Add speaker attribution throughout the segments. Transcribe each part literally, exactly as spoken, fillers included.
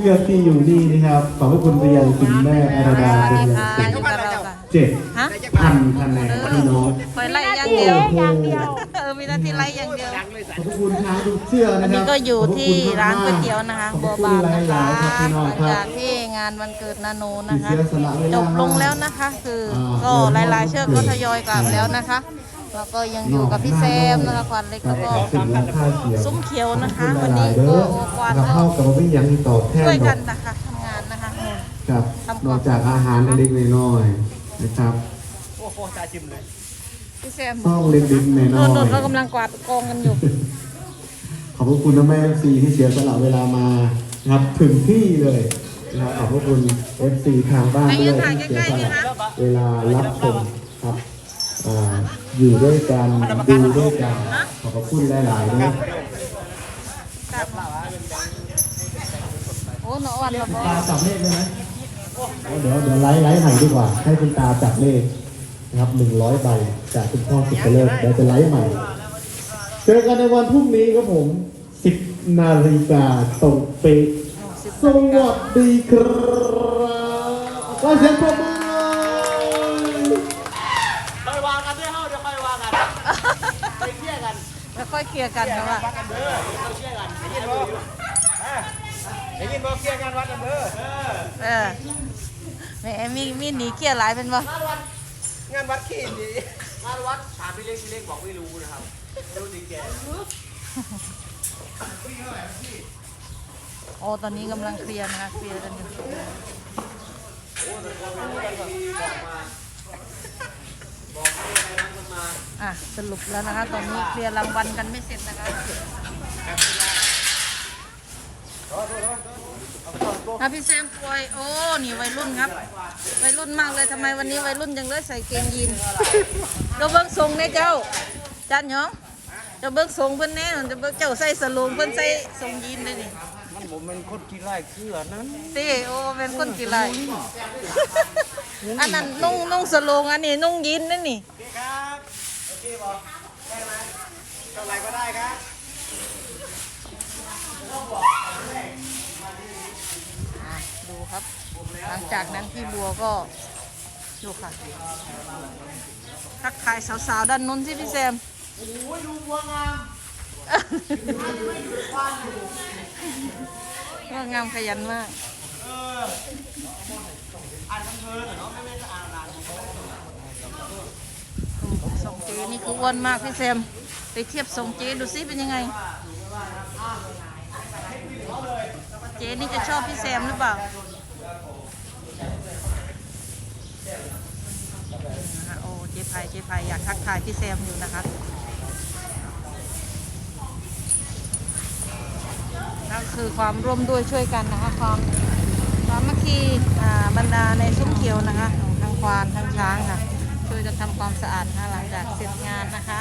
Speaker 1: ลือกที่อยู่นี่นะครับขอบพระคุณไปยังคุณแม่อาราดาเป็นอย่างสูงเจ็ดพันคะแนนพี่น้อง
Speaker 2: คอยไล่อย่างเดียว
Speaker 1: อย่างเดียว
Speaker 2: เออมีหน้าที่ไล่อย่างเดียว
Speaker 1: ขอบคุณทางทุกเชื่อ
Speaker 2: อั
Speaker 1: นะ
Speaker 2: น
Speaker 1: ครั
Speaker 2: นี้
Speaker 1: บ
Speaker 2: ก็อยู่ที่ร้านก๋วยเตี๋ยวนะคะ
Speaker 1: ข
Speaker 2: บั
Speaker 1: อ
Speaker 2: ว
Speaker 1: บคุณ
Speaker 2: บาน
Speaker 1: ห
Speaker 2: นะ
Speaker 1: ลา
Speaker 2: คะ
Speaker 1: ยๆครับพี่น้อง
Speaker 2: หลัง
Speaker 1: ครับ
Speaker 2: จากที่งานวันเกิดนาโนนะคะ
Speaker 1: ที่เสียสละเวลา
Speaker 2: จบลงแล้วนะคะ คือก็หลายๆเชือกก็ทยอยกลับแล้วนะคะ แล้วก็ยังอยู่กับพี่แซมนะคะควันเล็กแล้วก็
Speaker 1: ถึงราคาเขียว
Speaker 2: ซุ้มเขียวนะคะ
Speaker 1: ขอบ
Speaker 2: วัน
Speaker 1: ณห
Speaker 2: นี้
Speaker 1: ลายๆเด้
Speaker 2: ก็
Speaker 1: อ
Speaker 2: โอควัน
Speaker 1: เรา
Speaker 2: ก็
Speaker 1: เข้ากับไม่ยังที่ตอบแทน
Speaker 2: ช่วย
Speaker 1: ดอ
Speaker 2: กั
Speaker 1: ก
Speaker 2: นนะคะทำงานนะคะ
Speaker 1: ครับ
Speaker 2: ทำความ
Speaker 1: นอกจากอาหารเล็กๆน้อยๆนะครับ
Speaker 3: โอ้โหตาจิ้มเลย
Speaker 2: พี่แซม
Speaker 1: ห้องเล็กๆน้
Speaker 2: โด
Speaker 1: อน
Speaker 2: โดน
Speaker 1: ย
Speaker 2: เขากำลังกวาดกองกันอยู่
Speaker 1: ๆขอบพระคุณนะแม่เอฟซีที่เสียสละเวลามานะครับถึงที่เลยนะครับขอบพระคุณเอฟซีทางบ้านด้วยที่เสียสละเวลารับชมครับอ่าอยู่ด้วยกันดูด้วยกันขอบพระคุณหลายๆด้วย
Speaker 2: โอ้หนอวันละบอ
Speaker 1: ตาจับเลขได้ไหมเดี๋ยวเดี๋ยวไลฟ์ไลฟ์ใหม่ดีกว่า ให้คุณตาจับเลขนะครับหนึ่งร้อยใบจากคุณพ่อสุดเลิศเดี๋ยวจะไลฟ์ใหม่ เจอกันในวันพรุ่งนี้ครับผมสิบนาฬิกาตรงเป๊ะสวัสดีครับก็เสียงปรบมือ
Speaker 3: ค่อยวางกันด้วยเฮ้าเดี๋ยวค่อยวางกันไปเที่ยกัน
Speaker 2: แล้วค่อยเคลียร์กันนะว่า
Speaker 3: วัดกันเด้อเราเที่ยกันได้ยินบ่ได้ยินบ่เที่ยกันวัดกันเด้อ
Speaker 2: เออแหมมีมีหนีเคลียร์หลายเป็นบ่
Speaker 3: งานวัดขี้ดีงานวัดถามพี่เล็กพี่เล็กบอกไม่รู้นะครับไม่รู้จริงแก
Speaker 2: โอ้ตอนนี้กำลังเคลียร์นะคะเคลียร์กันอยู่อ่ะสรุปแล้วนะคะ ตอนนี้เคลียร์รางวัลกันไม่เสร็จนะคะอ่ะพี่แซมป่วยโอ้นี่วัยรุ่นครับวัยรุ่นมากเลยทำไมวันนี้วัยรุ่นจังเลยใส่เกงยีนเราเบิ้งทรงเนี่ยเจ้าจันหยองเจ้าเบิ้งทรงเพิ่นแน่จะเบิ้งเจ้าใส่สโลงเพิ่นใส่ทรงยีนเลยนี่
Speaker 3: มันผมเป็นคนที่ไล่เกลือนั้น
Speaker 2: ตีโอ้เป็นคนกี่ไร อันนั้นนุ่งนุ่งสโลงอันนี้นุ่งยีนนั่นนี่
Speaker 3: โอเคครับโอเคบอกได้ไหมเท่าไหร่ก็ได้ครับ
Speaker 2: อ่ะดูครับ หลังจากนั้นพี่บัวก็ดูค่ะทักทายสาวๆด้านนู้นสิพี่แซม
Speaker 3: โอ้ยดูวัวงาม
Speaker 2: ว่างามขยันมาก
Speaker 3: เอออ่านคำเพลินเหรอเนาะไม่ไม่จะอ่านนาน
Speaker 2: สองเจนี่คืออ้วนมากพี่แซมไปเทียบสองเจดูซิเป็นยังไง เจนี่จะชอบพี่แซมหรือเปล่านะคะโอ้เจไพเจไพอยากทักทายพี่แซมอยู่นะคะนั่นคือความร่วมด้วยช่วยกันนะคะความสามัคคีอ่าบรรดาในซุ้มเขียวนะคะทั้งควานทั้งช้างค่ะช่วยกันทำความสะอาดนะคะหลังจากเสร็จงานนะคะ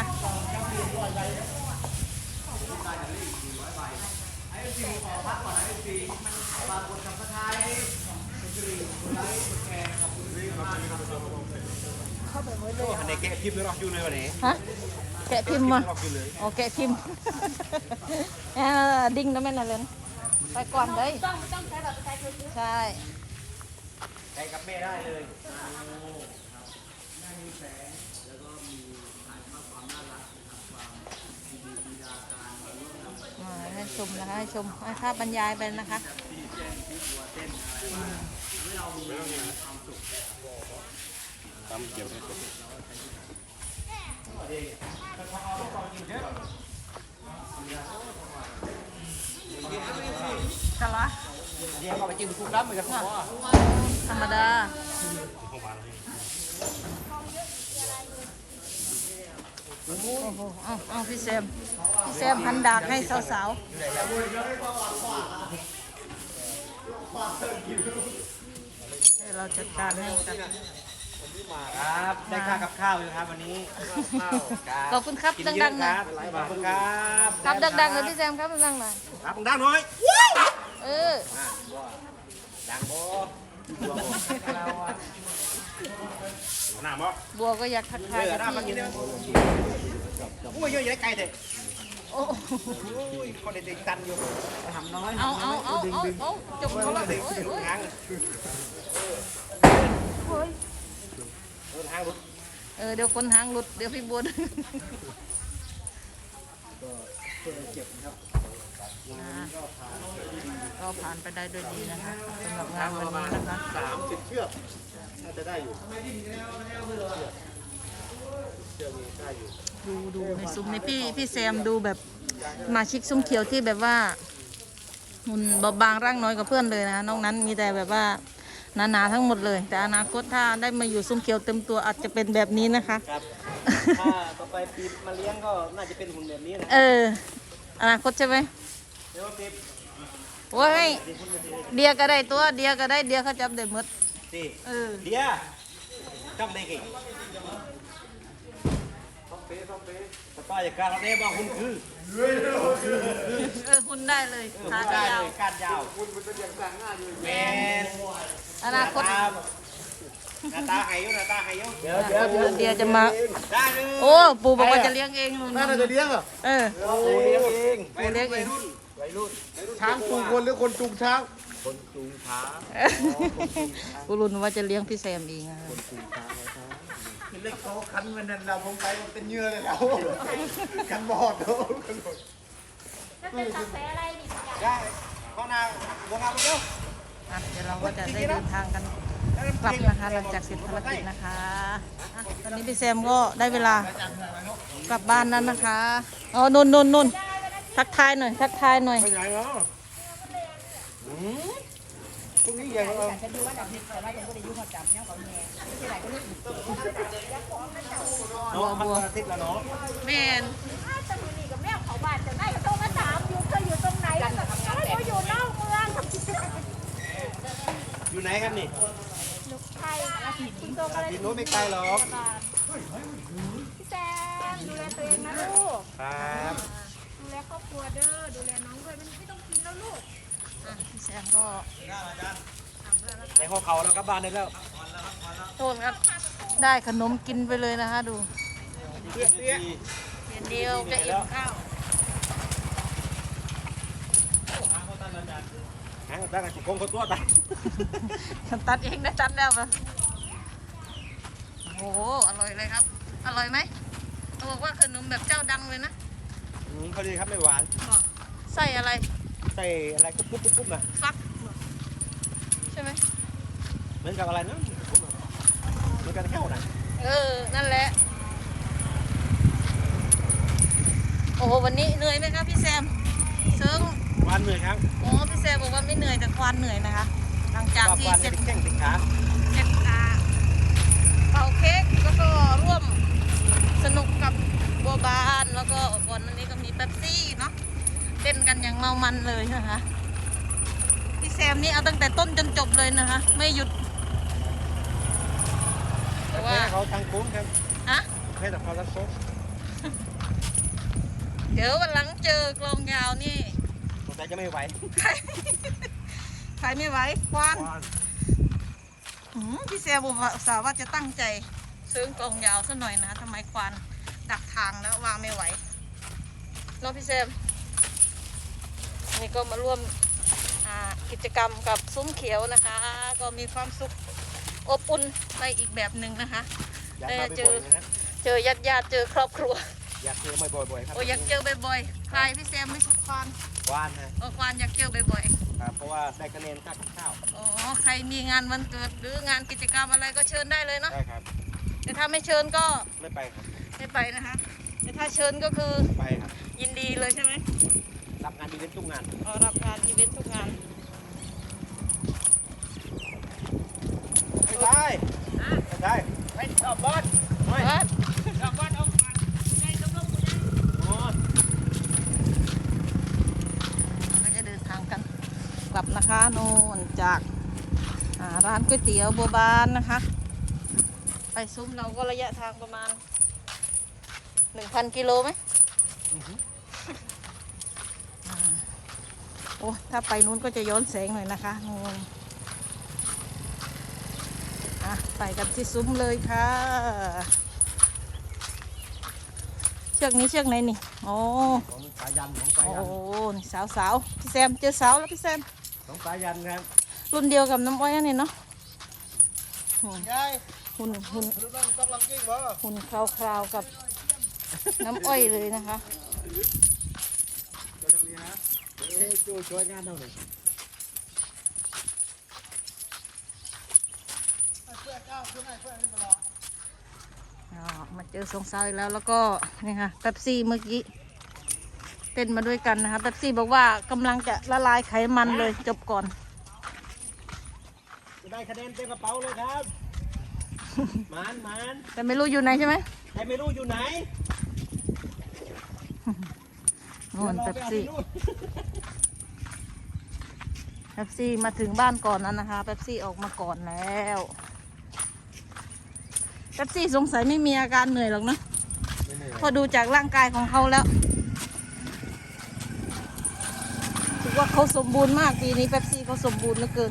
Speaker 2: เข้าไปไว้เลย
Speaker 3: อันนี้แกะพิมพ์เลยหรออยู่เลยวันนี้
Speaker 2: ฮะแกะพิมพ์มา
Speaker 3: หรอกอยู่เลย
Speaker 2: โอเคพิมพ์ เออดิ้งนะแม่น่ะเลยไปก่อนเลยต้องต้องใช้แบบใช้คือใช่
Speaker 3: ใช้กับแม่ได้เลย
Speaker 2: อ่าให้ชมนะคะให้ชมให้ภาพบรรยายไปนะคะกะละ
Speaker 3: เดี๋ยวเขาไปจิ้มคุกน้ำเหมือนกันพ่อ
Speaker 2: ธรรมดาโอ้โหเอาเอาพี่แซมพี่แซมพันดากให้สาวๆให้เราจัดการให้กับ
Speaker 3: ครับได้ค่ากับข้าวอยู่ครับวันนี้
Speaker 2: ขอบคุณครับ
Speaker 3: กิน
Speaker 2: ดั
Speaker 3: เยอะ
Speaker 2: งๆ
Speaker 3: ค
Speaker 2: หน่อย
Speaker 3: รับขอบคุณครับ
Speaker 2: ครับดังๆเลยพี่แซมครับดังๆหน่อย
Speaker 3: ครับดังหน่อย
Speaker 2: เออ
Speaker 3: ดังโบหน้าบ่
Speaker 2: บัวก็อยากทักทาย
Speaker 3: เออ
Speaker 2: กับ
Speaker 3: หน้ามากิน
Speaker 2: พี่
Speaker 3: ได้ไหมอุ้ยเยอะแยะไกลเด็ด
Speaker 2: โอ้
Speaker 3: ยคนเด็กๆตันอยู่ทำน้อย
Speaker 2: เอาเอาเอาเอาเอาจบเขาละโอ้ยโอ้ย
Speaker 3: ทาง
Speaker 2: โอ้ย
Speaker 3: เดินทางรถ
Speaker 2: เออเดี๋ยวคนหางหลุดเดี๋ยวพี่บุญ
Speaker 3: เพื่อเก็บนะครับ
Speaker 2: ก็ผ่านไปได้ด้วยดีนะคะสำหรับงานวันนี้นะคะ
Speaker 3: สามสิบเชือกน่าจะได้อยู่เชือกนี้ได้อยู่
Speaker 2: ดูดูในซุ้มนี่พี่พี่แซมดูแบบสมาชิกซุ้มเขียวที่แบบว่าหุ่นเบาบางร่างน้อยกว่าเพื่อนเลยนะนอกนั้นมีแต่แบบว่าหนาๆทั้งหมดเลย แต่อนาคตถ้าได้มาอยู่ซุ้มเขียวเต็มตัวอาจจะเป็นแบบนี้นะคะ
Speaker 3: ครับถ้าต่อไปปีมาเลี้ยงก็น่าจะเป็นหุ่นแบบนี้นะ
Speaker 2: เอออนาคตใช่ไหม
Speaker 3: เดี๋ยวปี
Speaker 2: โอ้ยเดียก็ได้ตัวเดียก็ได้เดียเขาจับได้หมด
Speaker 3: สิ
Speaker 2: เออ
Speaker 3: เดียจำได้กี่สป้าอย่าการเรียกว่าหุ่นคือ
Speaker 2: เออหุ่นได้เลยขา
Speaker 3: ได้
Speaker 2: ยาว
Speaker 3: เลยการยาวหุ่นมันเป็นอย่างต่างหน้าอยู่แมน
Speaker 2: อนาคต
Speaker 3: หน้าตาหายอยู่หน้าตาหายอยู่เดี๋ยว
Speaker 2: เดี๋ยวเดียจะมา
Speaker 3: ได้เลย
Speaker 2: โอ้ปู่บอกว่าจะเลี้ยงเองนู่น
Speaker 3: น่าจะเลี้ยงเหรอ
Speaker 2: เออ
Speaker 3: โอ้เลี้ยงเอง
Speaker 2: ปู่เลี้ยงเอง
Speaker 3: วัยรุ่นช้างจูงคนหรือคนจูงช้างคนจูงช้าง
Speaker 2: ปู่รุนว่าจะเลี้ยงพี่แซมเองอะ
Speaker 3: เล็กเขาคันมันนั่นเราลงไปมันเป็นเยื่อเลยเรากันบอดเรากันบอด
Speaker 4: จะเป็นกาแฟอะไรดิ
Speaker 3: ได้ข้อนาบัวงามเร็ว
Speaker 2: อ่ะเดี๋ยวเราก็จะได้เดินทางกันกลับนะคะหลังจากเสร็จภารกิจนะคะอ่ะตอนนี้พี่แซมก็ได้เวลากลับบ้านนั้นนะคะอ๋อนนนนนทักทายหน่อยทักทายหน่อย
Speaker 3: ไปไหนเนาะตรงนี้ใหญ่เรา
Speaker 2: บัวบัว
Speaker 3: ติดแล้วเนาะ
Speaker 2: แมน
Speaker 4: ตะมือนี่กับแม่เขาบ้านจะได้โทรมาถามอยู่เคยอยู่ตรงไหนแล้วก็เขาอยู่นอกเมือง
Speaker 3: อยู่ไหนครับนี่
Speaker 4: ลูกไทยคุณโตอะไร
Speaker 3: ที่โน้นไม่ไกลหรอก
Speaker 4: พี่แซมดูแลตัวเองนะลูก
Speaker 3: ครับ
Speaker 4: ดูแลครอบครัวเด้อ ดูแลน้องด้วยมันไม่ต้องกินแล้วลูก
Speaker 2: อ่ะพี่แซมก็
Speaker 3: ในห้องเขาเรากลับบ้านได้แล้ว
Speaker 2: โทษครับได้ขนมกินไปเลยนะคะดู
Speaker 3: เตี้ยเตี้ย
Speaker 2: เดี๋ยวเดียวจะอิ่มข้าว
Speaker 3: หางตั้งแต่จุกงเขาตัวตาย
Speaker 2: ฉันตัดเองได้ตัดแล้วปะโอ้โหอร่อยเลยครับ อร่อยไหมเขาบอกว่าขนมแบบเจ้าดังเลยนะ
Speaker 3: พอดีครับไม่หวาน
Speaker 2: บอกใส่อะไร
Speaker 3: ใส่อะไรกุ๊บกุ๊บกุ๊บกุ๊บนะ
Speaker 2: ฟักใช่ไหม
Speaker 3: เหมือนกับอะไรนะเหมือนกันแค่ไหน
Speaker 2: เออ นั่นแหละ โอ้โห วันนี้เหนื่อยไหมครับพี่แซมเซิง
Speaker 3: หวานเหนื่อยครับ
Speaker 2: โอ้พี่แซมบอกว่าไม่เหนื่อยแต่ควานเหนื่อยนะคะ หลังจากที่
Speaker 3: หวาน
Speaker 2: เสร็จ
Speaker 3: แข้งติดขา
Speaker 2: เสร็จอ่าเป่าเค้กแล้วก็ร่วมสนุกกับบัวบานแล้วก็ก่อนอันนี้ก็มีเป๊ปซี่เนาะเต้นกันอย่างเมามันเลยนะคะพี่แซมนี่เอาตั้งแต่ต้นจนจบเลยนะคะ ไม่หยุดแต่ว่า
Speaker 3: แค่เขาทางโค้งครับ
Speaker 2: อะ
Speaker 3: แค่แต่เขาทางโค้ง
Speaker 2: เดี๋ยววันหลังเจอกลองยาวนี่
Speaker 3: สงสัยจะไม่ไหว
Speaker 2: ใครใครไม่ไหวควานหืมพี่แซมบอกว่าอุตส่าห์ว่าจะตั้งใจซื้อกลองยาวซะหน่อยนะทำไมควานดักทางแล้ววางไม่ไหวเน้องพี่แซมนี่ก็มาร่วมอ่ากิจกรรมกับซุ้มเขียวนะคะ ก็มีความสุขอบอุ่นไปอีกแบบหนึ่งนะคะ
Speaker 3: อยากมาบ่อยๆนะฮะ
Speaker 2: เจอญาติญาติๆเจอครอบครัว
Speaker 3: อยากเจอบ่อยๆครับ
Speaker 2: โอ้ยอยากเจอบ่อยๆใครพี่แซมไม่ชอบควาน
Speaker 3: หวานนะ
Speaker 2: เออควานอยากเจอบ่อยๆ
Speaker 3: ครับเพราะว่าได้คะแนนค่ากับข้าว
Speaker 2: อ๋อ ใครมีงานวันเกิดหรืองานกิจกรรมอะไรก็เชิญได้เลยเนาะ
Speaker 3: ได้ครับ
Speaker 2: แต่ถ้าไม่เชิญก็
Speaker 3: ไม่ไปครับ
Speaker 2: ไม่ไปนะคะ แต่ถ้าเชิญก็คือ
Speaker 3: ไปครับ
Speaker 2: ยินดีเลยใช่ไหม
Speaker 3: รับงานดีเวนต์ทุกงาน
Speaker 2: อ๋อรับงานอีเวนต์ทุกงาน
Speaker 3: ไม่ได้ไม่ได้ไปตอบบอลไม่
Speaker 2: เอิ้น
Speaker 3: ตอบบอลเอาไงต้องลงกูยังอ๋อ
Speaker 2: เราก็จะเดินทางกันกลับนะคะโน่นจากอ่าร้านก๋วยเตี๋ยวบัวบานนะคะ ไปซุ้มเราก็ระยะทางประมาณหนึ่งพันกิโลไหมอ่าโอ้ถ้าไปนู้นก็จะย้อนแสงหน่อยนะคะนู่นอ่ะไปกันที่ซุ้มเลยค่ะ เชชือกนี้เชือกไหนนี่โอ้
Speaker 3: ของสายันของสา
Speaker 2: โอ้
Speaker 3: ยัน
Speaker 2: นี่สาวสาวๆพี่แซมเจอสาวแล้วพี่แซม
Speaker 3: ของสายันครับ
Speaker 2: รุ่นเดียวกับน้ำอ้อยอันนี่เนาะอืม
Speaker 3: ยาย
Speaker 2: หุ่นหุ่น
Speaker 3: รู้ต้องต้องลองกิ้งบ่
Speaker 2: หุ่นคราวๆกับน้ำอ้อยเลยนะคะ
Speaker 3: ตัวตรงนี้ฮะเฮ้ยช่วยช่วยงานเท่าไหร่
Speaker 2: อ๋อมาเจอสองสาวอีกแล้วแล้วก็นี่ค่ะเป๊ปซี่เมื่อกี้เต้นมาด้วยกันนะคะเป๊ปซี่บอกว่ากำลังจะละลายไขมันเลยจบก่อน
Speaker 3: จะได้คะแนนเต็มกระเป๋าเลยครับหมานหมาน
Speaker 2: แต่ไม่รู้อยู่ไหนใช่ไหม
Speaker 3: แต่ไม่รู้อยู่ไหน
Speaker 2: โน่นเป๊ปซี่
Speaker 3: ดี๋ยวเราไปเอาที่นู่น
Speaker 2: เป๊ปซี่มาถึงบ้านก่อนแล้วนะคะเป๊ปซี่ออกมาก่อนแล้วเป๊ปซี่สงสัยไม่มีอาการเหนื่อยหรอกนะพอดูจากร่างกายของเขาแล้วถือว่าเขาสมบูรณ์มากปีนี้เป๊ปซี่เขาสมบูรณ์เหลือเกิน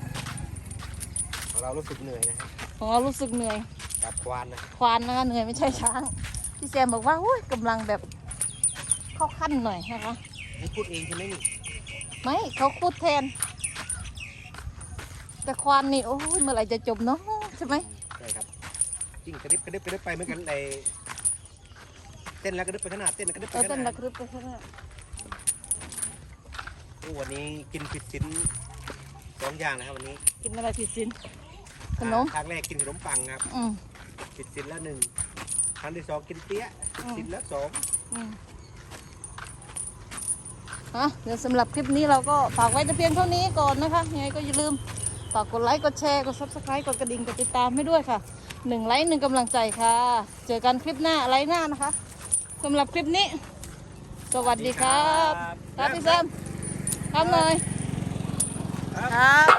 Speaker 3: เรารู้สึกเหนื่อยนะฮะ
Speaker 2: ของเรารู้สึกเหนื่อย
Speaker 3: กับควานนะ
Speaker 2: ควานนะคะเหนื่อยไม่ใช่ช้างพี่แซมบอกว่าอุ้ยกำลังแบบเข้าขั้นหน่อยนะคะ
Speaker 3: นี่พูดเองใช่ไหมนี่
Speaker 2: ไม่เขาพูดแทน แต่ควานนี่โอ้ยเมื่อไหร่จะจบเนาะใช่ไหม
Speaker 3: ใช่ครับจริงกระดิบกระดิบกระดิบไปเหมือนกันในเต้นแล้วกระดิบไปขนาดเต้นแล้วกระดิบไป
Speaker 2: เออ
Speaker 3: ข
Speaker 2: เต้น
Speaker 3: นา
Speaker 2: ระ
Speaker 3: ด
Speaker 2: ครึบไปข้างหน้า
Speaker 3: โอ้วันนี้กินผิดศีลสองอย่างนะครับวันนี้
Speaker 2: กินอะไรผิดศีลขนม
Speaker 3: ครั้งแรกกินขนมปังครับ
Speaker 2: อืม
Speaker 3: ผิดศีลละหนึ่งครั้งที่สองกินเปี้ยะ
Speaker 2: อืม
Speaker 3: ศีลละสอง
Speaker 2: อืมอ่ะเดี๋ยวสำหรับคลิปนี้เราก็ฝากไว้แต่เพียงเท่านี้ก่อนนะคะยังไงก็อย่าลืมฝากกดไลค์กดแชร์กดซับสไครต์กดกระดิ่งกดติดตามให้ด้วยค่ะหนึ่งไลค์หนึ่งกำลังใจค่ะ เจอกันคลิปหน้าไลค์หน้านะคะสำหรับคลิปนี้ สวัสดีครับครับพี่แซมครับเลยครับ